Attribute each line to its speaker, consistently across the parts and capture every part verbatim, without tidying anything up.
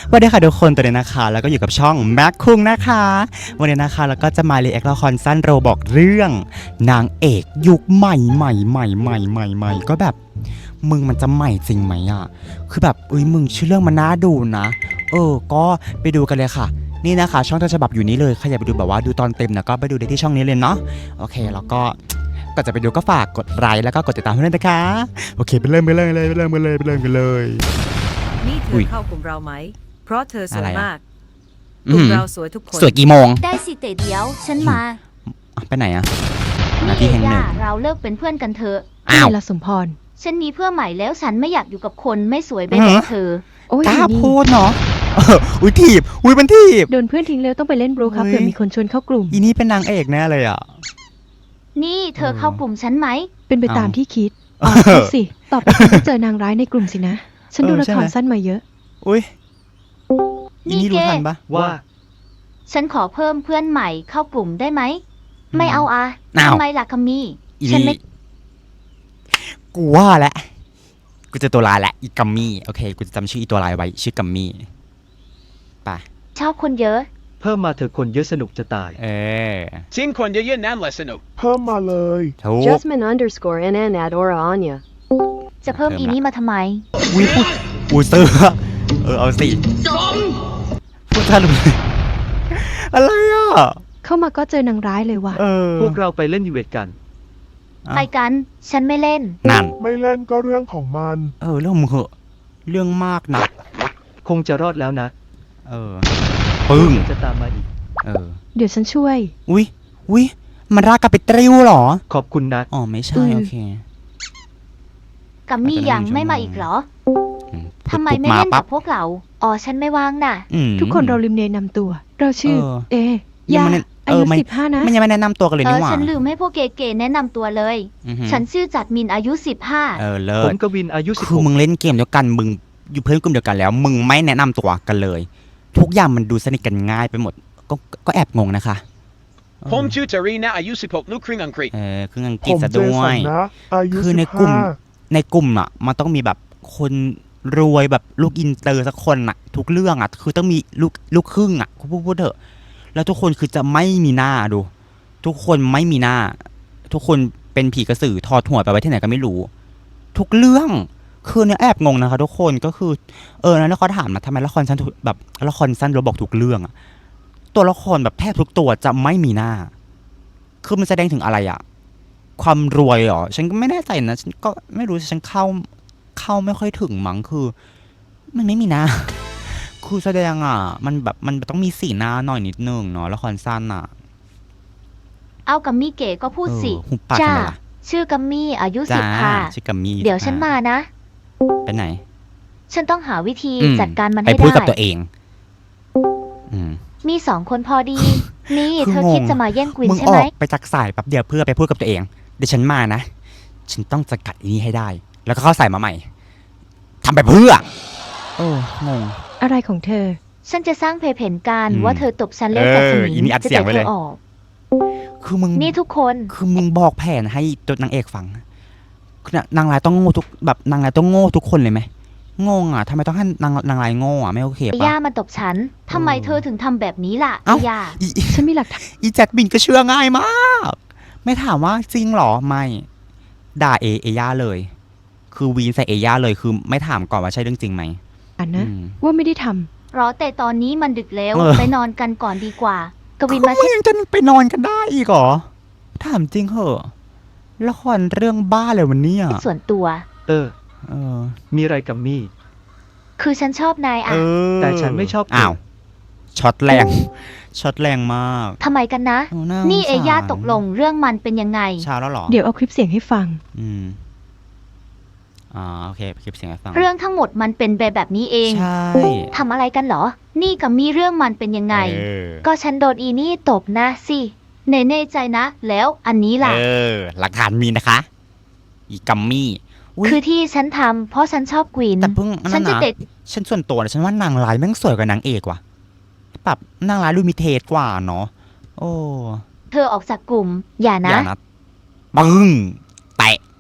Speaker 1: สวัสดีค่ะทุกคนตัวนี้นะคะแล้วก็อยู่กับช่องแม็กคุงนะคะวันนี้นะคะแล้วก็จะมารีแอคละครสั้นโรบอกเรื่องนางเอกยุคใหม่ใหม่ใหม่ใหม่ใหม่ใหม่ก็แบบมึงมันจะใหม่จริงไหมอ่ะคือแบบเอ้ยมึงชื่อเรื่องมันน่าดูนะเออก็ไปดูกันเลยค่ะนี่นะคะช่องต้นฉบับอยู่นี้เลยใครอยากไปดูแบบว่าดูตอนเต็มนะก็ไปดูได้ที่ช่องนี้เลยเนาะโอเคแล้วก็ก่อนจะไปดูก็ฝากกดไลค์แล้วก็กดติดตามให้ด้วยนะคะโอเคไปเริ่มไปเริ่มเลยไปเริ่มกันเลยไปเริ่มกันเลย
Speaker 2: นี่เธ
Speaker 1: อุ๊
Speaker 2: อย เข้ากลุ่มเราไหม เพราะเธอสวย
Speaker 1: อะไรอะ
Speaker 2: มาก กลุ่มเราสวยทุกคน
Speaker 1: สวยกี่โมง
Speaker 3: ได้สิเตเดียวฉันมา
Speaker 1: อ่ะไปไหนอะห
Speaker 3: นี่
Speaker 1: น้า
Speaker 3: เอ
Speaker 1: ที่แห่งหนึ่
Speaker 3: ย่าง เราเลิกเป็นเพื่อนกันเถอะ
Speaker 1: อ้าว
Speaker 4: ละสมพร
Speaker 3: ฉันมีเพื่อนใหม่แล้วฉันไม่อยากอยู่กับคนไม่สวยไป
Speaker 1: อื
Speaker 3: แบ
Speaker 1: อ
Speaker 3: บ
Speaker 1: ฮะ
Speaker 3: เธอ
Speaker 4: โอ้ย
Speaker 1: กล้า
Speaker 4: นี่
Speaker 1: พูดเนาะเอออุ้ยถีบอุ้ยมันถีบ
Speaker 4: โดนเพื่อนทิ้งแล้วต้องไปเล่นบรูครับ
Speaker 1: เฮ้ย
Speaker 4: เผื่อมีคนชวนเข้ากลุ่ม
Speaker 1: อีนี่เป็นนางเอกแน่เลยอ่ะ
Speaker 3: นี่เธอ
Speaker 1: เออ
Speaker 3: เข้ากลุ่มฉันไหม
Speaker 4: เป็นไป
Speaker 1: เอา
Speaker 4: ตามที่คิด
Speaker 1: เอ
Speaker 4: อ๋
Speaker 1: อ
Speaker 4: อคิดสิต่อไปคุณต้องเจอนางร้ายในกลุ่มสินะ ฉันดู
Speaker 1: เออ
Speaker 4: ละ
Speaker 1: ใช่
Speaker 4: ค
Speaker 1: ไหม
Speaker 4: รสั้นมาเยอะ
Speaker 1: อุ้ยอี
Speaker 3: นี่
Speaker 1: นี่รู้
Speaker 3: เก
Speaker 1: ทันปะ
Speaker 5: ว่า
Speaker 3: ฉันขอเพิ่มเพื่อนใหม่เข้ากลุ่มได้ไหม ไม่เอาอะ
Speaker 1: อ้าว
Speaker 3: ทำไมล่ะคามี่
Speaker 1: อี
Speaker 3: ฉัน
Speaker 1: นี่
Speaker 3: ไม่
Speaker 1: กูว่าแหละกูจะตัวลายแหละอีกัมมี่โอเคกูจะจำชื่ออีตัวลายไว้ชื่อกัมมี่ไป
Speaker 3: ชอบคนเยอะ
Speaker 5: เพิ่มมาเถอะคนเยอะสนุกจะตาย
Speaker 1: เออ
Speaker 6: ทิ้งคนเยอะๆนั่นแหละสนุก
Speaker 7: เพิ่มมาเลย
Speaker 1: ถูก
Speaker 8: Jasmine underscore nn at Aura Anya.
Speaker 3: จะเพิ่ม
Speaker 1: เพิ่ม
Speaker 3: อี
Speaker 1: ละ
Speaker 3: นี้มาทำไม
Speaker 1: อุ้ยพูดอูเซอร์เออเอาสิพูดทันเลยอะไรอ่ะ
Speaker 4: เข้ามาก็เจอนางร้ายเลยว่ะ
Speaker 1: เออ
Speaker 5: พวกเราไปเล่นอีเวนต์กัน
Speaker 1: อ่ะ
Speaker 3: ไปกัน ฉันไม่เล่น
Speaker 1: นั่น
Speaker 7: ไม่เล่นก็เรื่องของมัน
Speaker 1: เออเรื่องมึงเหอะเรื่องมากนะ
Speaker 5: คงจะรอดแล้วนะ
Speaker 1: เออปึ้ง
Speaker 5: จะตามมาอีก
Speaker 1: เออ
Speaker 4: เดี๋ยวฉันช่วย
Speaker 1: อุ้ยอุ้ยมันรากกับไปตริ้วเหรอ
Speaker 5: ขอบคุณนะ
Speaker 1: อ๋อไม่ใช่
Speaker 4: อืม
Speaker 1: โอเค
Speaker 3: กัมมี่ยังไม่มาอีกเหรอ
Speaker 1: อืม
Speaker 3: ทำไม
Speaker 1: ปุ๊บ
Speaker 3: ไม่เล่น
Speaker 1: ปั๊
Speaker 3: กับพวกเรา อ๋อฉันไม่ว่างน่ะ
Speaker 1: อืม
Speaker 4: ทุกคนเราลืมเนนำตัว เราชื่อ
Speaker 1: เออ
Speaker 4: เอ
Speaker 1: ยัง
Speaker 4: ยา
Speaker 1: ไม่ได้
Speaker 4: อา
Speaker 1: เอ
Speaker 4: ยุ
Speaker 1: อไม่
Speaker 4: สิบห้านะ
Speaker 1: มันยังไม่แนะนำตัวกันเลย
Speaker 3: เอ
Speaker 1: นี่
Speaker 3: อ
Speaker 1: หว่า
Speaker 3: ฉันลืมให้พวกเก๋ๆแนะนำตัวเลย
Speaker 1: อือหือ
Speaker 3: ฉันชื่อจัดมินอายุสิบห้า
Speaker 1: เออเลิ
Speaker 5: ผ
Speaker 1: ศ
Speaker 5: มกวินอายุสิบ
Speaker 1: คื
Speaker 5: ห
Speaker 1: อก มึงเล่นเกมเดียวกันมึงอยู่เพื่อนกลุ่มเดียวกันแล้ว มึงไม่แนะนำตัวกันเลย ทุกอย่างมันดูสนิทกันง่ายไปหมด ก็ก็แอบงงนะคะเออ
Speaker 6: ผมชื่อจารีนะอายุสิบหกลูกครึ่งอังกฤษ
Speaker 1: เออคืออังก
Speaker 7: ผ
Speaker 1: ฤษ
Speaker 7: ม
Speaker 1: ซะ
Speaker 7: เจ
Speaker 1: ด้ว
Speaker 7: สัน
Speaker 1: ย
Speaker 7: นะ อายุ
Speaker 1: คือ
Speaker 7: สิ
Speaker 1: ใน
Speaker 7: บ
Speaker 1: กลุ่ม
Speaker 7: ห้า
Speaker 1: ในกลุ่มอ่ะมันต้องมีแบบคนรวยแบบลูกอินเตอร์สักคนอ่ะ ทุกเรื่องอ่ะ คือต้องมีลูกลูกครึ่งอ่ะพูดพูดเถอะ แล้วทุกคนคือจะไม่มีหน้าดู ทุกคนไม่มีหน้า ทุกคนเป็นผีกระสือถอดหัวไปไว้ที่ไหนก็ไม่รู้ ทุกเรื่องคือเนี่ยแอบงงนะคะ ทุกคนก็คือ เออแล้วเขาถามนะทำไมละครสั้นทุกแบบละครสั้นเราบอกทุกเรื่องอะตัวละครแบบแทบทุกตัวจะไม่มีหน้า คือมันแสดงถึงอะไรอะความรวยเหรอฉันก็ไม่แน่ใจนะฉันก็ไม่รู้ฉันเข้าเข้าไม่ค่อยถึงมั้งคือ มันไม่มีหน้า คือแสดงอ่ะ มันแบบมันต้องมีสีหน้าหน่อยนิดนึงเนาะละครสั้นอ่ะ
Speaker 3: เอากัมมี่เก๋ก็พูดสิ
Speaker 1: เออหุบปาก
Speaker 3: จ้า
Speaker 1: ทำไมล่ะ
Speaker 3: ชื่อกัมมี่อายุสิ
Speaker 1: จ้า
Speaker 3: บห้า
Speaker 1: ชื่อกัมมี่
Speaker 3: เดี๋ยวฉันมานะ
Speaker 1: ไปไหน
Speaker 3: ฉันต้องหาวิธี
Speaker 1: อืม
Speaker 3: จัดการมัน
Speaker 1: ไป
Speaker 3: ให้
Speaker 1: พูด
Speaker 3: ได้
Speaker 1: กับตัวเอง อืม
Speaker 3: มีสองคนพอดี นี่
Speaker 1: คือ
Speaker 3: เธอง
Speaker 1: ง
Speaker 3: คิดจะมาแย่งกวิน
Speaker 1: มึง
Speaker 3: ใช่
Speaker 1: อ
Speaker 3: ไหม
Speaker 1: อกไปจากสายแป๊บเดียวเพื่อไปพูดกับตัวเอง เดี๋ยวฉันมานะ ฉันต้องสกัดอีนี้ให้ได้ แล้วก็เข้าใส่มาใหม่ทำไปเพื่อ โอ้งง
Speaker 4: อะไรของเธอ
Speaker 3: ฉันจะสร้างเพจเห็นการ
Speaker 1: อืม
Speaker 3: ว่าเธอตบฉันเล่นกับส
Speaker 1: เออ
Speaker 3: มิ
Speaker 1: อีนี่อัด
Speaker 3: จะ
Speaker 1: เสียง
Speaker 3: เตะ
Speaker 1: ไว้
Speaker 3: เธ
Speaker 1: เล
Speaker 3: อย ออก
Speaker 1: คือมึง
Speaker 3: นี่ทุกคน
Speaker 1: คือมึงบอกแผนให้ตัวนางเอกฟังคือนางร้ายต้องโง่ทุกแบบนางร้ายต้องโง่ทุกคนเลยไหมงงอ่ะทำไมต้องให้นางนางร้ายโง่อ่ะไม่โอเค
Speaker 3: ไอ้
Speaker 1: ปะ
Speaker 3: ย่ามาตบฉันทำไม
Speaker 1: เออ
Speaker 3: เธอถึงทำแบบนี้ล่ะ
Speaker 1: เอ้า
Speaker 3: ไอ้ย่า
Speaker 1: อีอี
Speaker 4: ฉันมีหลักฐาน
Speaker 1: อีแจ็คบินก็เชื่อง่ายมาก ไม่ถามว่าจริงเหรอไม่ ด่าเอเอย่าเลย คือวีนใส่เอย่าเลยคือไม่ถามก่อนว่าใช่เรื่องจริงไหม
Speaker 4: นะ
Speaker 1: อืม
Speaker 4: ว่าไม่ได้ทำ
Speaker 3: รอแต่ตอนนี้มันดึกแล้ว
Speaker 1: เออ
Speaker 3: ไปนอนกันก่อนดีกว่า กวินมา
Speaker 1: มึ
Speaker 3: สิ
Speaker 1: งยังจะไปนอนกันได้อีกเหรอ ถามจริงเหอะละครเรื่องบ้าเลยวันนี้อ่ะ
Speaker 3: ส่วนตัว
Speaker 5: เออ
Speaker 1: เออ
Speaker 5: มีอะไรกับมี่
Speaker 3: คือฉันชอบนาย
Speaker 1: เอ
Speaker 3: อ่ะ
Speaker 1: อ
Speaker 5: แต่ฉันไม่ชอบ
Speaker 1: อ้าวช็อตแรง ช็อตแรงมาก
Speaker 3: ทำไมกันนะ
Speaker 1: เออน่า
Speaker 3: นี่
Speaker 1: สงสาร
Speaker 3: เอย่าตกลงเรื่องมันเป็นยังไง
Speaker 1: เช้าแล้วเหรอ
Speaker 4: เดี๋ยวเอาคลิปเสียงให้ฟัง
Speaker 1: อืมอ่าโอเคคลิปเสียงให้ฟัง
Speaker 3: เรื่องทั้งหมดมันเป็นแบบแบบนี้เอง
Speaker 1: ใช่
Speaker 3: ทำอะไรกันเหรอ นี่กับมีเรื่องมันเป็นยังไง
Speaker 1: เออ
Speaker 3: ก็ฉันโดนอีนี่ตบนะสิเนเน่ใจนะ แล้วอันนี้ล่ะ
Speaker 1: เออ หลักฐานมีนะคะ อีกัมมี่ย
Speaker 3: คือที่ฉันทำเพราะฉันชอบกวิน
Speaker 1: แต่เพิ่งอัน
Speaker 3: ฉั
Speaker 1: นั้น น
Speaker 3: จะ
Speaker 1: นะ
Speaker 3: เด็ด
Speaker 1: ฉันส่วนตัวนะฉันว่านางร้ายแม่งสวยกว่านางเอกว่ะแบบนางร้ายดูมีเทสกว่าเนาะโอ้
Speaker 3: เธอออกจากกลุ่ม อย่า
Speaker 1: อ
Speaker 3: นะ
Speaker 1: ย่านะปึ้งแตะ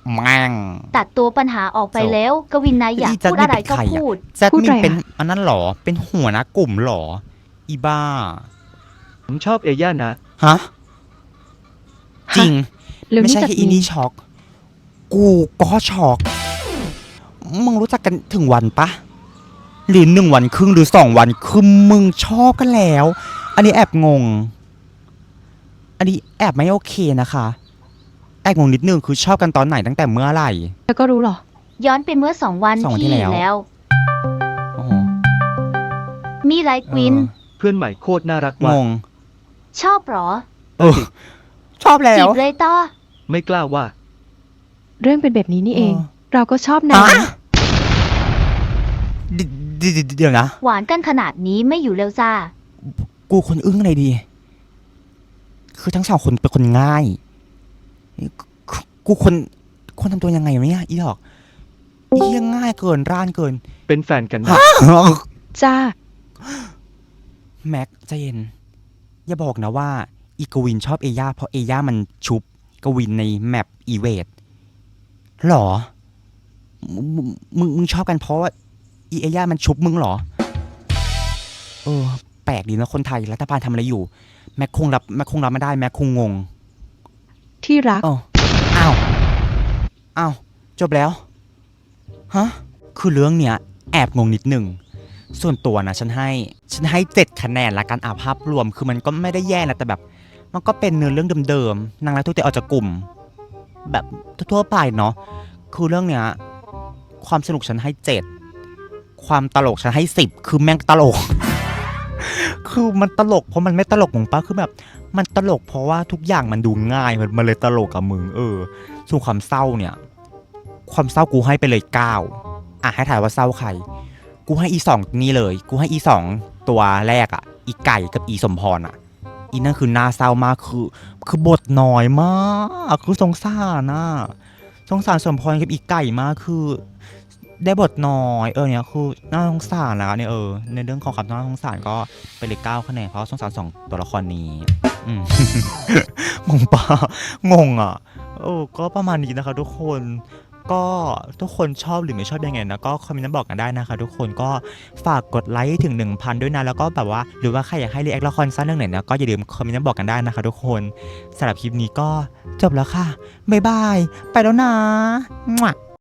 Speaker 1: แม่ง
Speaker 3: ตัดตัวปัญหาออกไป
Speaker 1: จบ
Speaker 3: แล้ว กวินนายอยาก
Speaker 1: อีจัด
Speaker 3: พูดอะไร
Speaker 1: นี่เป็น
Speaker 3: ก็
Speaker 1: ใครอะ
Speaker 3: พูด
Speaker 1: แจัด
Speaker 4: พูด
Speaker 1: มิ
Speaker 4: อะไร
Speaker 1: นเป็น
Speaker 4: อะ
Speaker 1: อันนั้นหรอ เป็นหัวหน้ากลุ่มหรอ อีบ้า
Speaker 5: ผมชอบเอย่านะ
Speaker 1: ฮะ จริง
Speaker 4: แล้ว
Speaker 1: ไม่
Speaker 4: นี่
Speaker 1: ใช่
Speaker 4: กับ
Speaker 1: แค่อี
Speaker 4: มี
Speaker 1: นี่ช็อก กูก็ช็อก มึงรู้จักกันถึงวันปะหรือหนึ่งวันครึ่งหรือสองวันคือมึงชอบกันแล้ว อันนี้แอบงง อันนี้แอบไม่โอเคนะคะ แอบงงนิดนึงคือชอบกันตอนไหนตั้งแต่เมื่อไหร่
Speaker 4: เธอก็รู้เหรอ
Speaker 3: ย้อนไปเมื่อสองวัน
Speaker 1: สองวันที่
Speaker 3: ที่
Speaker 1: แล้ว
Speaker 3: แล้ว
Speaker 1: โอ้โห
Speaker 3: มีไรกวิน
Speaker 5: เพื่อนใหม่โคตรน่ารัก
Speaker 1: เออ
Speaker 5: ว่ะ
Speaker 1: งง
Speaker 3: ชอบเหรอ
Speaker 1: เออ ชอบแล้
Speaker 3: จี
Speaker 1: ว
Speaker 3: บเลยต่อ
Speaker 5: ไม่กล้าว่า
Speaker 4: เรื่องเป็นแบบนี้นี่เอง
Speaker 1: เออ
Speaker 4: เราก็ชอบนะ
Speaker 1: อ่ะเดเดี๋ยวเดี๋ยวนะ
Speaker 3: หวานกันขนาดนี้ไม่อยู่เร็วจ้า
Speaker 1: กูคนอึ้งอะไรดี คือทั้งสองคนเป็นคนง่าย กูกูคนคนทำตัวยังไงวะเนี่ยอีดอกอีเหี้ยังง่ายเกินร่านเกิน
Speaker 5: เป็นแฟนกันนะ
Speaker 4: จ้า
Speaker 1: แม็กใจเย็น อย่าบอกนะว่า อีกวินชอบเอย่าเพราะเอย่ามันชุบกวินในแมปอีเวดหรอ มึงมึงมึงชอบกันเพราะว่าอีเอย่ามันชุบมึงเหรอ เออ แปลกดีนะคนไทยรัฐบาลทำอะไรอยู่ แม็กคงรับแม็กคงรับไม่ได้แม็กคงงง
Speaker 4: ที่รัก
Speaker 1: อ้าวอ้าวอ้าวจบแล้ว ฮะ คือเรื่องเนี้ย แอบงงนิดหนึ่ง ส่วนตัวนะฉันให้ ฉันให้เจ็ดคะแนนละกันอาภาพรวม คือมันก็ไม่ได้แย่นะแต่แบบ มันก็เป็นเนื้อเรื่องเดิมๆนางร้ายทุกเตะออกจากกลุ่ม แบบทั่วๆไปเนาะ คือเรื่องเนี้ย ความสนุกฉันให้เจ็ด ความตลกฉันให้สิบ คือแม่งตลก คือมันตลกเพราะมันไม่ตลกของป้าคือแบบ มันตลกเพราะว่าทุกอย่างมันดูง่ายมันมันเลยตลกกับมึงเออ ส่วนความเศร้าเนี่ย ความเศร้ากูให้ไปเลยเก้าอ่ะให้ถ่ายว่าเศร้าใคร กูให้อีสองนี่เลย กูให้อีสองตัวแรกอ่ะ อีไก่กับอีสมพรอ่ะ อีนั่นคือน่าเศร้ามากคือ คือบทน้อยมากคือสงสารน่ะสงสารสมพรกับอีไก่มากคือ ได้บทน้อยเออเนี่ยคือน่าสงสารนะเนี่ยเออในเรื่องของความน่าสงสารก็ไปเลยเก้าคะแนนเพราะสงสารสองตัวละครนี้อืม งงปะงงอ่ะเออก็ประมาณนี้นะคะทุกคนก็ทุกคนชอบหรือไม่ชอบยังไงนะก็คอมเมนต์มาบอกกันได้นะคะทุกคนก็ฝากกดไลค์ให้ถึง หนึ่งพัน ด้วยนะแล้วก็แบบว่าหรือว่าใครอยากให้รีแอคละครสั้นเรื่องไหนนะก็อย่าลืมคอมเมนต์มาบอกกันได้นะคะทุกคนสำหรับคลิปนี้ก็จบแล้วค่ะบ๊ายบายไปแล้วนะ